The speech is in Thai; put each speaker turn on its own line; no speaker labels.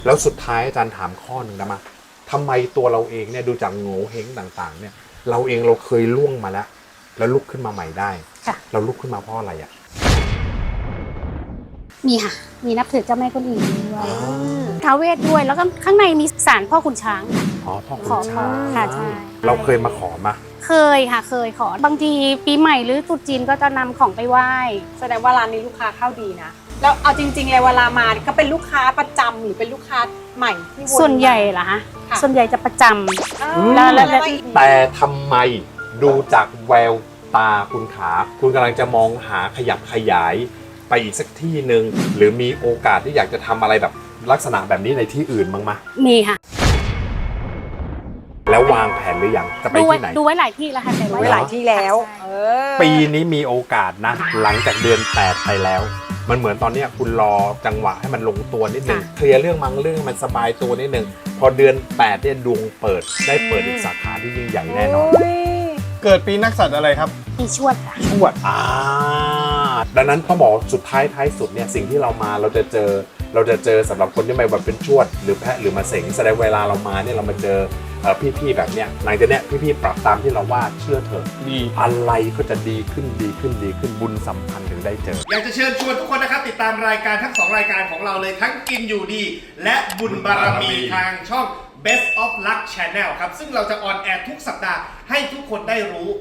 แล้วสุดท้ายอาจารย์ถามข้อหนึ่งนะมาทำไมตัวเราเองเนี่ยดูจากโง่เฮงต่างๆเนี่ยเราเองเราเคยล่วงมาแล้วลุกขึ้นมาใหม่ได้
ค่ะ
เราลุกขึ้นมาเพราะอะไรอ่ะ
มีค่ะ มีนับถือเจ้าแม่กวนอิมด้วย
อ๋อ
ท้าวเวทด้วย แล้วก็ข้างในมีศาลพ่อขุนช้างค่ะ
อ๋อพ่อขุ
ขอน
ช้าง
ค่ะใช่
เราเคยมาขอมา
เคยค่ะ เคยขอ บางทีปีใหม่หรือตรุษจีนก็จะนำของไปไหว้
แสดงว่าร้านนี้ลูกค้าเข้าดีนะ แล้วเอาจริงๆเลยเวลามาก็เป็นลูกค้าประจำหรือเป็นลูกค้าใหม่ที่วน
ส่วนใหญ่เหรอคะ
ค่ะ
ส่วนใหญ่จะประจำ
อ้า
แล้ว
แต่ทำไมดูจากแววตาคุณขาคุณกำลังจะมองหาขยับขยายไปอีกสักที่หนึ่งหรือมีโอกาสที่อยากจะทำอะไรแบบลักษณะแบบนี้ในที่อื่นบ้างไหม
มีค่ะ
แล้ววางแผนหรือยังจะไป
ดูไว้
ที่ไหน
ดูไว้หลายที่แล้วค่ะแต่
ไว้หลายที่แล้ว
ใช่
เออ
ปีนี้มีโอกาสนะ หลังจากเดือน 8 ไปแล้ว มันเหมือนตอนเนี้ยคุณรอจังหวะให้มันลงตัวนิดนึงเคลียร์เรื่องบางเรื่องให้มันสบายตัวนิดนึงพอเดือน 8เนี่ยดวงเปิดได้เปิดอีกสาขาที่ยิ่งใหญ่แน่นอน
โย
เกิดปีนักสัตว์อะไรครับ
มีชวดค่ะ
ชวด
ดังนั้นต้องบอกสุดท้ายสุดเนี่ยสิ่งที่เรามาเราจะเจอสำหรับคนที่ไม่แบบเป็นชวดหรือแพะหรือมาเสงแสดงเวลาเรามาเนี่ยเรามาเจอพี่ๆแบบเนี้ยหลังจากเนี้ยพี่ๆปรับตามที่เราว่าเชื่อเถอะ
ดี
อะไรก็จะดีขึ้นบุญสัมพันธ์ถึงได้เจอ
อยากจะเชิญชวนทุกคนนะครับติดตามรายการทั้ง 2 รายการของเราเลยทั้งกินอยู่ดี และบุญบารมีทางช่อง Best of Luck Channel ครับ ซึ่งเราจะออนแอร์ทุกสัปดาห์ให้ทุกคนได้รู้